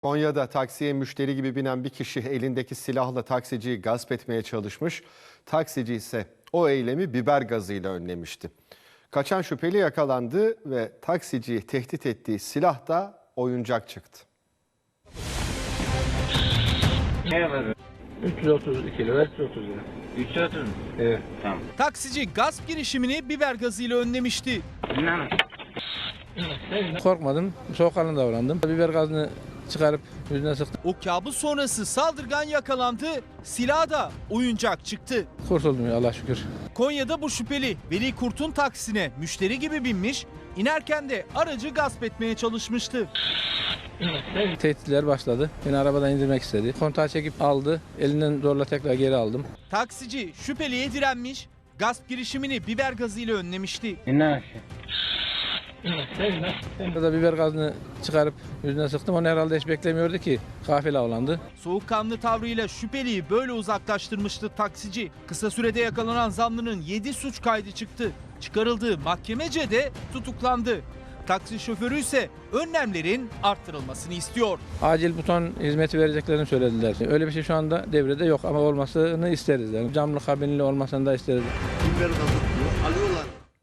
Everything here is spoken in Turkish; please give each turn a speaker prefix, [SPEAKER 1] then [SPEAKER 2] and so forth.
[SPEAKER 1] Konya'da taksiye müşteri gibi binen bir kişi elindeki silahla taksiciyi gasp etmeye çalışmış. Taksici ise o eylemi biber gazıyla önlemişti. Kaçan şüpheli yakalandı ve taksiciyi tehdit ettiği silah da oyuncak çıktı.
[SPEAKER 2] Ne var?
[SPEAKER 3] 332 lira, 330 lira.
[SPEAKER 2] 330 mu?
[SPEAKER 3] Evet.
[SPEAKER 2] Tamam.
[SPEAKER 4] Taksici gasp girişimini biber gazıyla önlemişti.
[SPEAKER 2] İnan.
[SPEAKER 3] Korkmadım, soğukkanlı davrandım. Biber gazını çıkarıp yüzüne sıktım.
[SPEAKER 4] O kabus sonrası saldırgan yakalandı, silah da oyuncak çıktı.
[SPEAKER 3] Kurtuldum ya Allah şükür.
[SPEAKER 4] Konya'da bu şüpheli Veli Kurt'un taksine müşteri gibi binmiş, inerken de aracı gasp etmeye çalışmıştı.
[SPEAKER 3] Tehditler başladı. Beni arabadan indirmek istedi. Kontağı çekip aldı. Elinden zorla tekrar geri aldım.
[SPEAKER 4] Taksici şüpheliye direnmiş, gasp girişimini biber gazıyla önlemişti.
[SPEAKER 2] İnan.
[SPEAKER 3] Burada biber gazını çıkarıp yüzüne sıktım. Onu herhalde hiç beklemiyordu ki kafile avlandı.
[SPEAKER 4] Soğukkanlı tavrıyla şüpheliyi böyle uzaklaştırmıştı taksici. Kısa sürede yakalanan zanlının 7 suç kaydı çıktı. Çıkarıldığı mahkemece de tutuklandı. Taksi şoförü ise önlemlerin arttırılmasını istiyor.
[SPEAKER 3] Acil buton hizmeti vereceklerini söylediler. Öyle bir şey şu anda devrede yok ama olmasını isteriz. Yani camlı kabinli olmasını da isteriz.
[SPEAKER 5] Biber gazı alıyorlar.